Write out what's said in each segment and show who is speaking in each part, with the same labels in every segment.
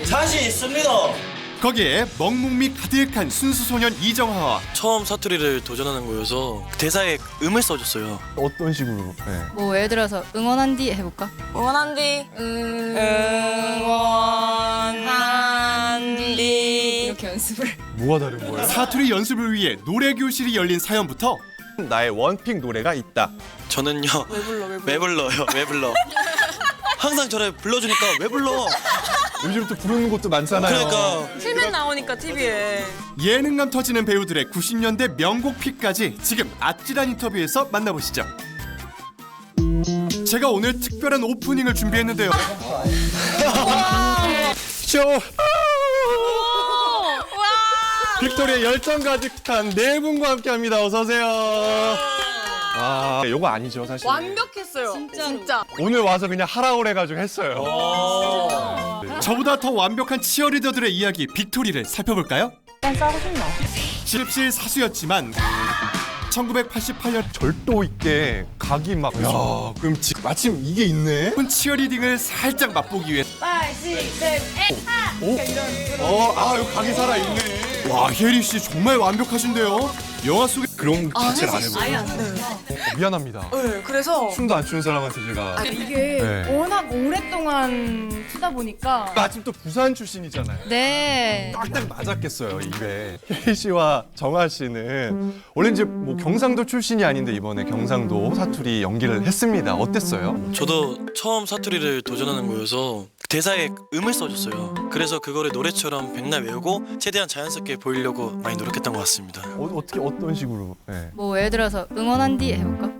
Speaker 1: 자신 있습니다.
Speaker 2: 거기에 먹묵미 가득한 순수 소년 이정하와
Speaker 3: 처음 사투리를 도전하는 거여서 대사에 음을 써줬어요.
Speaker 4: 어떤 식으로? 네.
Speaker 5: 뭐 예를 들어서 응원한 뒤 해볼까?
Speaker 6: 응원한 뒤 응원한 뒤
Speaker 5: 이렇게 연습을.
Speaker 4: 뭐가 다른 거예요?
Speaker 2: 사투리 연습을 위해 노래 교실이 열린 사연부터
Speaker 4: 나의 원픽 노래가 있다.
Speaker 3: 저는요. 왜 불러요? 왜 불러? 항상 저를 불러주니까 왜 불러?
Speaker 4: 요즘 또 부르는 곳도 많잖아요.
Speaker 3: 그러니까
Speaker 6: film에 나오니까 TV에
Speaker 2: 예능감 터지는 배우들의 90년대 명곡 픽까지 지금 아찔한 인터뷰에서 만나보시죠. 제가 오늘 특별한 오프닝을 준비했는데요.
Speaker 4: 쇼! 빅토리의 열정 가득한 네 분과 함께합니다. 어서 오세요. 아, 요거 아니죠 사실.
Speaker 6: 완벽했어요. 진짜.
Speaker 4: 오늘 와서 그냥 하라 그래가지고 했어요.
Speaker 2: 저보다 더 완벽한 치어리더들의 이야기 빅토리를 살펴볼까요? 실실 사수였지만 1988년
Speaker 4: 절도 있게 각이 막. 야, 그럼 마침 이게 있네.
Speaker 2: 치어리딩을 살짝 맛보기 위해
Speaker 4: 요 각이 살아 있네.
Speaker 2: 와, 혜리 씨 정말 완벽하신데요. 영화 속에
Speaker 4: 그런 자체를 안 해보고. 미안합니다.
Speaker 6: 네, 그래서
Speaker 4: 춤도 안 추는 사람한테 제가.
Speaker 7: 이게
Speaker 4: 네.
Speaker 7: 워낙 오랫동안 추다 보니까
Speaker 4: 마침 또 부산 출신이잖아요.
Speaker 5: 네.
Speaker 4: 딱딱 맞았겠어요 입에. 혜리 씨와 정아 씨는 원래 이제 뭐 경상도 출신이 아닌데 이번에 경상도 사투리 연기를 했습니다. 어땠어요?
Speaker 3: 저도 처음 사투리를 도전하는 거여서 대사에 음을 써줬어요. 그래서 그거를 노래처럼 백날 외우고 최대한 자연스럽게 보이려고 많이 노력했던 것 같습니다.
Speaker 4: 어떻게 어떤 식으로? 네.
Speaker 5: 뭐 예를 들어서 응원한 뒤 해볼까?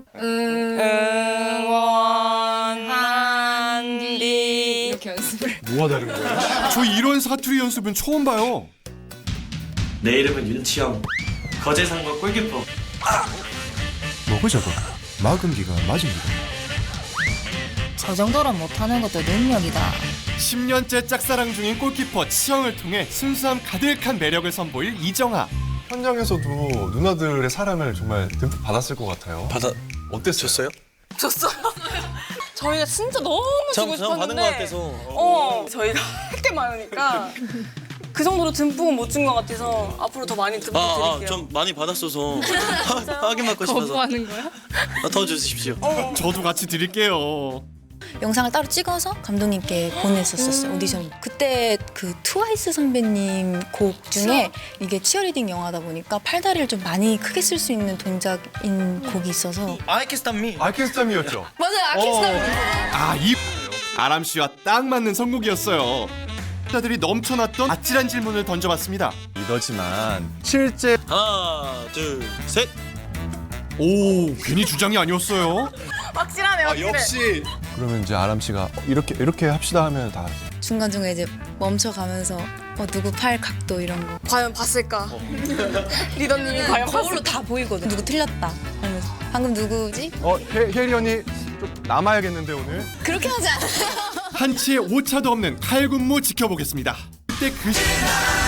Speaker 6: 응원한 뒤
Speaker 5: 이렇게 연습을.
Speaker 4: 뭐가 다른 거예요?
Speaker 2: 저 이런 사투리 연습은 처음 봐요.
Speaker 1: 내 이름은 윤치영. 거제상과 골키퍼.
Speaker 8: 뭐고 저거? 막음기가 맞습니다.
Speaker 5: 저 정도로 못하는 것도 능력이다.
Speaker 2: 10년째 짝사랑 중인 골키퍼 치영을 통해 순수함 가득한 매력을 선보일 이정하.
Speaker 4: 현장에서도 누나들의 사랑을 정말 듬뿍 받았을 것 같아요. 어땠어요?
Speaker 3: 줬어요?
Speaker 6: 저희가 진짜 너무 주고
Speaker 3: 전 받은 것
Speaker 6: 싶었는데
Speaker 3: 같아서.
Speaker 6: 저희가 할 게 많으니까 그 정도로 듬뿍은 못 준 것 같아서 앞으로 더 많이 듬뿍 드릴게요.
Speaker 3: 좀 많이 받았어서 확인받고 싶어서.
Speaker 5: 거부하는 거야?
Speaker 3: 더 주십시오.
Speaker 2: 저도 같이 드릴게요.
Speaker 9: 영상을 따로 찍어서 감독님께 보냈었어요 오디션. 그때 그 트와이스 선배님 곡 중에 이게 치어리딩 영화다 보니까 팔다리를 좀 많이 크게 쓸 수 있는 동작인 곡이 있어서.
Speaker 3: 아이캐스탄미.
Speaker 4: 아이캔스탐이었죠.
Speaker 9: 맞아요, 아키스탄.
Speaker 2: 아, 이 아람 씨와 딱 맞는 선곡이었어요. 자들이 넘쳐났던 아찔한 질문을 던져봤습니다.
Speaker 4: 이러지만 실제
Speaker 3: 하나, 둘, 셋.
Speaker 2: 오, 괜히 주장이 아니었어요.
Speaker 6: 확실하네, 확실해.
Speaker 4: 역시. 그러면 이제 아람 씨가 이렇게 합시다 하면 다.
Speaker 9: 중간중간에 이제 멈춰가면서 누구 팔 각도 이런 거.
Speaker 6: 과연 봤을까? 리더님이 과연
Speaker 9: 거울로 다 보이거든. 누구 틀렸다 하면서. 방금 누구지?
Speaker 4: 혜리 언니 좀 남아야겠는데 오늘.
Speaker 9: 그렇게 하지 않아요.
Speaker 2: 한치의 오차도 없는 칼군무 지켜보겠습니다. 그때 그